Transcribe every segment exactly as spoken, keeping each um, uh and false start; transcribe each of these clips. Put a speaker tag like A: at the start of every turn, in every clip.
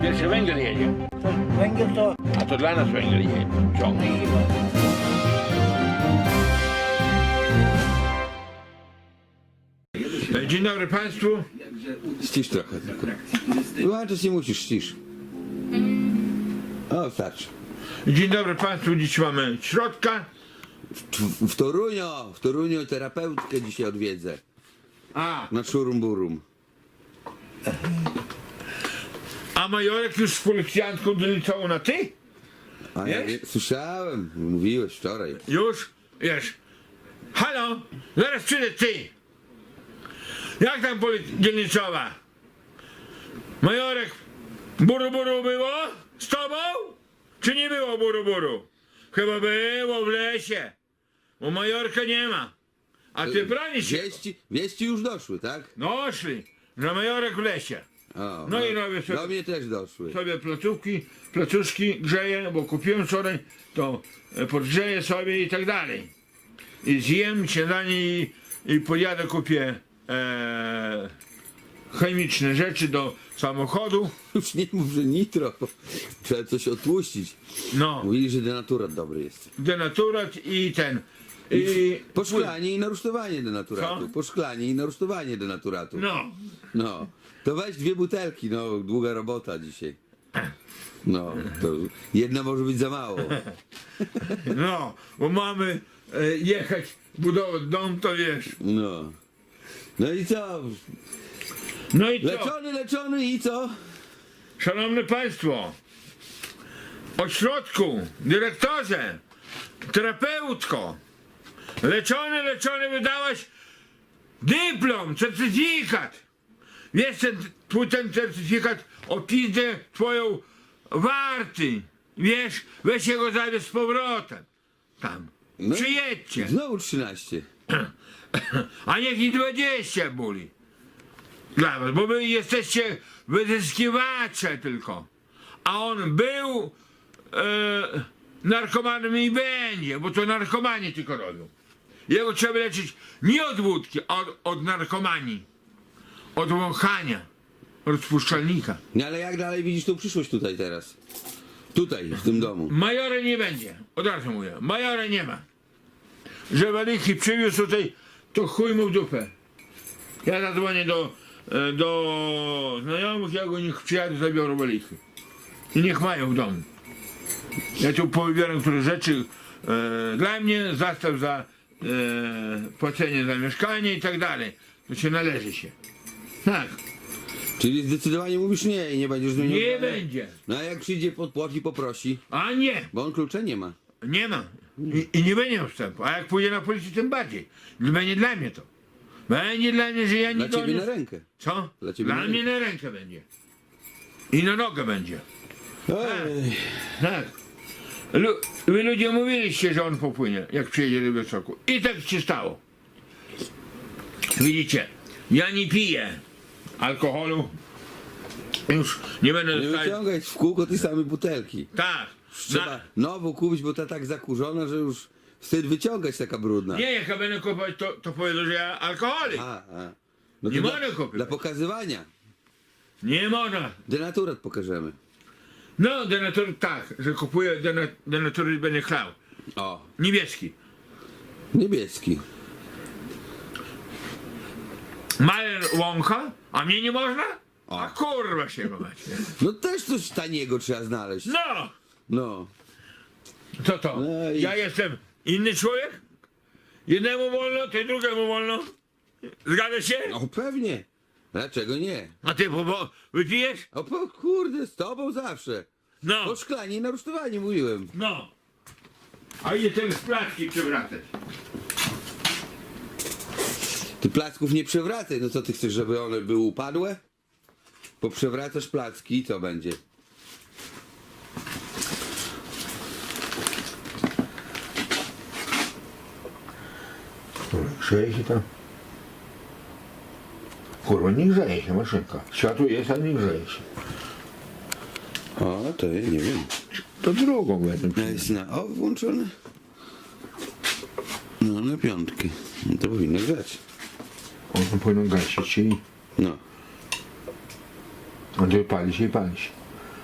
A: Pierwszy węgiel jedzie.
B: To węgiel to
A: A to dla nas węgiel jedzie. Ciągnie. Dzień dobry Państwu.
C: Ścisz trochę tylko. Wyłączyć nie musisz, ścisz. O, starczy.
A: Dzień dobry Państwu. Dziś mamy środka.
C: W, w Toruniu, w Toruniu terapeutkę dzisiaj odwiedzę.
A: A,
C: Na szurum burum.
A: a Majorek już z policjantką doliczał na ty?
C: A ja
A: Wiesz?
C: wie, słyszałem, mówiłeś wczoraj.
A: Już? Wiesz. Halo? Zaraz przyjdę ty. Jak tam policja dzielnicowa? Majorek, buru buru było z tobą? Czy nie było buru buru? Chyba było w lesie. Bo Majorka nie ma. A ty bronisz się.
C: Wieści, wieści już doszły, tak?
A: No szli, że Majorek w lesie.
C: O,
A: No i robię sobie-
C: do mnie też doszły.
A: Sobie placówki, placuszki grzeję, bo kupiłem wczoraj, to e, podgrzeję sobie i tak dalej. I zjem śniadanie i, i pojadę kupię e, chemiczne rzeczy do samochodu.
C: Już nie mów, że nitro. Trzeba coś otłuścić.
A: No,
C: Mówili, że denaturat dobry jest.
A: denaturat i ten. I,
C: Poszklanie i narusztowanie denaturatu.
A: Co?
C: Poszklanie i narusztowanie denaturatu.
A: no,
C: No, to weź dwie butelki, no, długa robota dzisiaj. No, to jedna może być za mało.
A: no, bo mamy e, jechać, budować dom, to wiesz.
C: No. No i co?
A: No i co?
C: Leczony, leczony i co?
A: Szanowne Państwo, ośrodku, dyrektorze, terapeutko, leczony, leczony, wydałaś dyplom, certyfikat. Wiesz, ten, twój ten certyfikat o pizdę twoją warty. Wiesz, weź go zabierz z powrotem. Tam.
C: No.
A: Przyjedźcie.
C: Znowu trzynaście.
A: A niech i dwadzieścia boli. Dla was, bo wy jesteście wyzyskiwacze tylko. A on był e, narkomanem i będzie, bo to narkomanie tylko robią. Jego trzeba leczyć nie od wódki, a od, od narkomanii. Od wąchania rozpuszczalnika.
C: No ale jak dalej widzisz tą przyszłość tutaj teraz? Tutaj, w tym domu.
A: Majora nie będzie. Od razu mówię. Majora nie ma. Że walichy przywiózł tutaj, to chuj mu w dupę. Ja zadzwonię do, e, do znajomych, jak oni przyjadą, zabiorą walichy. I niech mają w domu. Ja tu powybieram które rzeczy e, dla mnie, zastaw za e, płacenie za mieszkanie i tak dalej. To się należy się. Tak.
C: Czyli zdecydowanie mówisz nie i nie będziesz z nim
A: Nie
C: rozmawiać?
A: będzie.
C: No a jak przyjdzie pod płot i poprosi,
A: A nie.
C: bo on klucza nie ma.
A: Nie ma. I, I nie będzie miał wstępu. A jak pójdzie na policję, tym bardziej. Będzie dla mnie to. Będzie dla mnie, że ja nie
C: Dla ciebie
A: doniosę-
C: na rękę.
A: Co?
C: Dla ciebie
A: Dla
C: na
A: mnie na rękę będzie. I na nogę będzie.
C: Ej.
A: Tak. Lu wy ludzie mówiliście, że on popłynie, jak przyjedzie do Białegostoku. I tak się stało. Widzicie, ja nie piję alkoholu. Już nie będę
C: Nie
A: dostać.
C: wyciągaj w kółko tej samej butelki.
A: Tak.
C: Trzeba
A: Na,
C: nową kupić, bo ta tak zakurzona, że już wstyd wyciągać taka brudna.
A: nie, jak ja będę kupować, to, to powiedzą, że ja alkoholik.
C: A, a. No
A: Nie
C: to
A: mogę
C: dla,
A: kupić.
C: dla pokazywania.
A: Nie można.
C: Denaturat pokażemy.
A: No, denatur tak, że kupuję denat denatury będzie chlał.
C: O,
A: Niebieski.
C: niebieski.
A: Majer wącha, a mnie nie można?
C: O.
A: A kurwa się go macie.
C: No też coś taniego trzeba znaleźć.
A: No!
C: No.
A: Co to?
C: No i-
A: Ja jestem inny człowiek? Jednemu wolno, ty drugiemu wolno. Zgadza się?
C: O, pewnie. Dlaczego nie?
A: A ty bo, bo wypijesz?
C: O, po, kurde, z tobą zawsze.
A: No.
C: O szklanie i na rusztowanie mówiłem.
A: No. A idzie ten z placki przewracać.
C: Ty placków nie przewracaj. No co ty chcesz, żeby one były upadłe? Poprzewracasz placki i co będzie?
A: Grzeje się tam. Kurwa, nie grzeje się maszynka. Światło jest, a nie grzeje się.
C: O, to ja nie wiem.
A: To drugą będę.
C: No jest na o włączone. No na piątkę. No to powinno grać.
A: On powinien gasić i
C: No.
A: on pali się i pali się.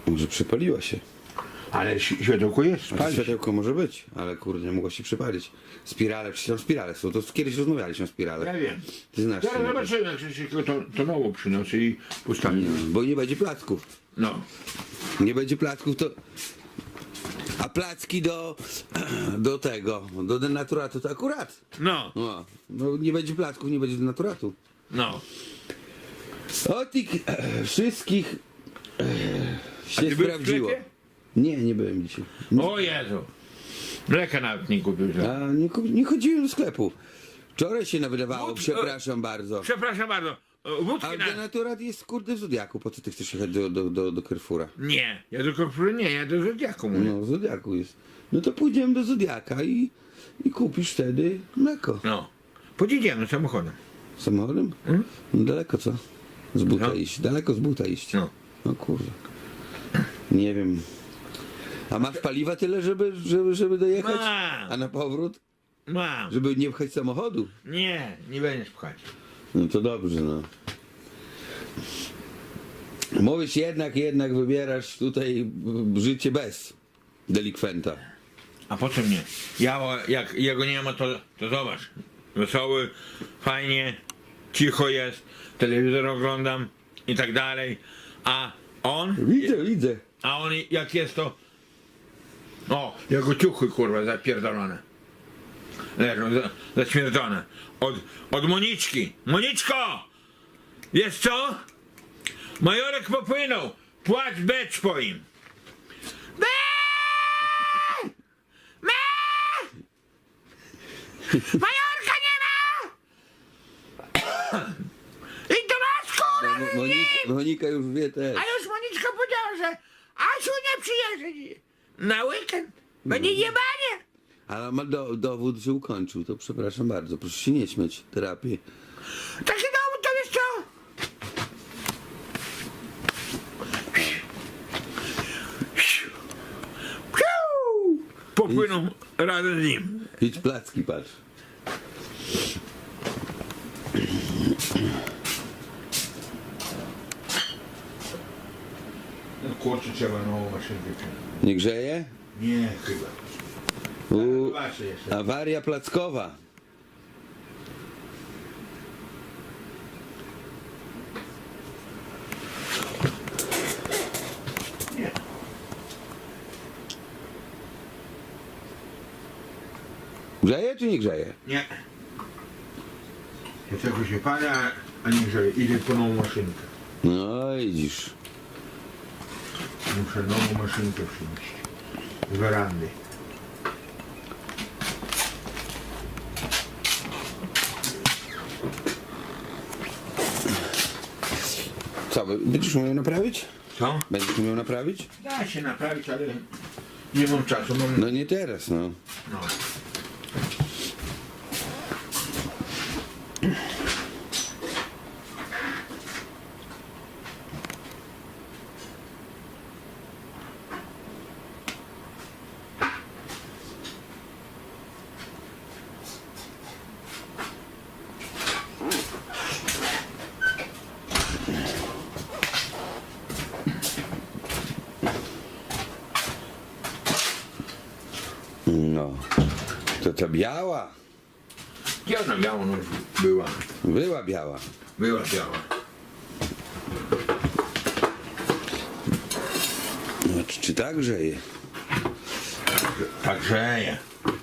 C: Może przypaliła się.
A: Ale ś- światełko jest,
C: Znaczy,
A: spali się.
C: światełko może być, ale kurde, nie mogło się przypalić. Spirale, przecież tam spirale są, to kiedyś rozmawialiśmy o spirale.
A: Ja wiem.
C: Ty znasz
A: Zaraz
C: to,
A: zobaczymy, jak się tylko to, to nowo przynosi i postawi.
C: bo nie będzie placków.
A: No.
C: Nie będzie placków, to... A placki do, do tego, do denaturatu to akurat.
A: No,
C: No, no nie będzie placków, nie będzie denaturatu.
A: no.
C: O tych e, wszystkich e, się
A: ty byłeś w
C: sprawdziło.
A: sklepie?
C: Nie, nie byłem dzisiaj.
A: O Jezu. Mleka nawet nie kupił. że-
C: A nie, ku- nie chodziłem do sklepu. Wczoraj się nawydawało,
A: Wódki-
C: przepraszam bardzo.
A: Przepraszam bardzo. o, Wódki
C: Ale
A: na...
C: denaturat jest kurde w Zodiaku, po co ty chcesz jechać do, do, do, do Carrefoura?
A: Nie, ja do Korfury nie, ja do Zodiaku mówię.
C: No w Zodiaku jest. No to pójdziemy do Zodiaka i, i kupisz wtedy mleko.
A: No. Podjedziemy samochodem.
C: Samochodem?
A: Mm.
C: No daleko co? Z buta
A: No.
C: iść, daleko z buta iść.
A: No.
C: No kurde. Nie wiem. A masz paliwa tyle, żeby, żeby, żeby dojechać?
A: Mam.
C: A na powrót?
A: Mam.
C: Żeby nie pchać samochodu?
A: Nie, nie będziesz pchać.
C: No to dobrze, no. Mówisz jednak, jednak wybierasz tutaj życie bez delikwenta.
A: A po co mnie? Ja, jak jego nie ma, to, to zobacz. Wesoły, fajnie, cicho jest, telewizor oglądam i tak dalej. A on,
C: Widzę, widzę.
A: a on jak jest to... O, jego ciuchy kurwa zapierdolone. Leżą za, zaśmierdzone. Od, od Moniczki. Moniczko! Wiesz co? Majorek popłynął. Płacz becz po im. Be! Me! Majorka nie ma! I to masz kurwa!
C: Mo- Monika, Monika już wie też.
A: A już Moniczka powiedziała, że Asiu nie przyjedzie na weekend. Będzie jebanie.
C: Ale ma do, dowód, że ukończył, to przepraszam bardzo, proszę się nie śmiać, terapię.
A: Taki dowód to wiesz co? Piu! Popłyną razem z nim.
C: Idź placki, patrz.
A: No kurczę, trzeba nową maszynkę.
C: Nie grzeje?
A: Nie, chyba.
C: U,
A: Zobaczę jeszcze.
C: awaria plackowa.
A: Nie.
C: Grzeje czy nie grzeje?
A: Nie. Dlaczego się pada, a nie grzeje. Idę po nową maszynkę.
C: No widzisz.
A: Muszę nową maszynkę przynieść. Z werandy.
C: Co, będziesz umiał naprawić?
A: Co?
C: Będziesz umiał naprawić?
A: Da się naprawić, ale nie mam czasu. Mam...
C: No nie teraz, no.
A: No.
C: No. To ta biała.
A: Gdzie ona biała no, była?
C: Była biała.
A: Była biała.
C: No, czy, czy tak grzeje?
A: Tak grzeje.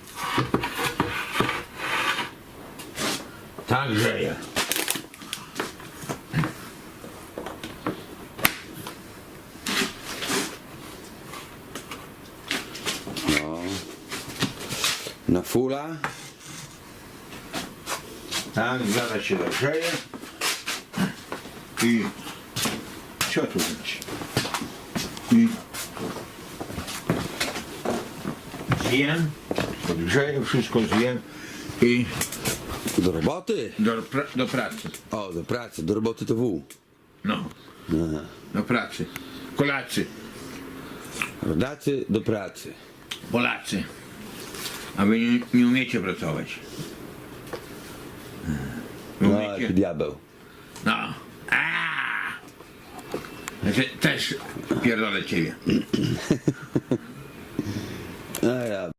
A: Tak grzeje.
C: No. Na fula.
A: Tak, zaraz się zagrzeje. I co tu być? I zjem, podgrzeję, wszystko zjem i
C: Do roboty.
A: do, pra- do pracy.
C: O, do pracy. Do roboty to wół.
A: No,
C: Aha.
A: do pracy. Kolacy,
C: Rodacy do pracy.
A: Polacy. A wy nie, nie umiecie pracować. Wy
C: No,
A: umiecie?
C: jaki diabeł.
A: No. A! Znaczy, też pierdolę ciebie.
C: A ja.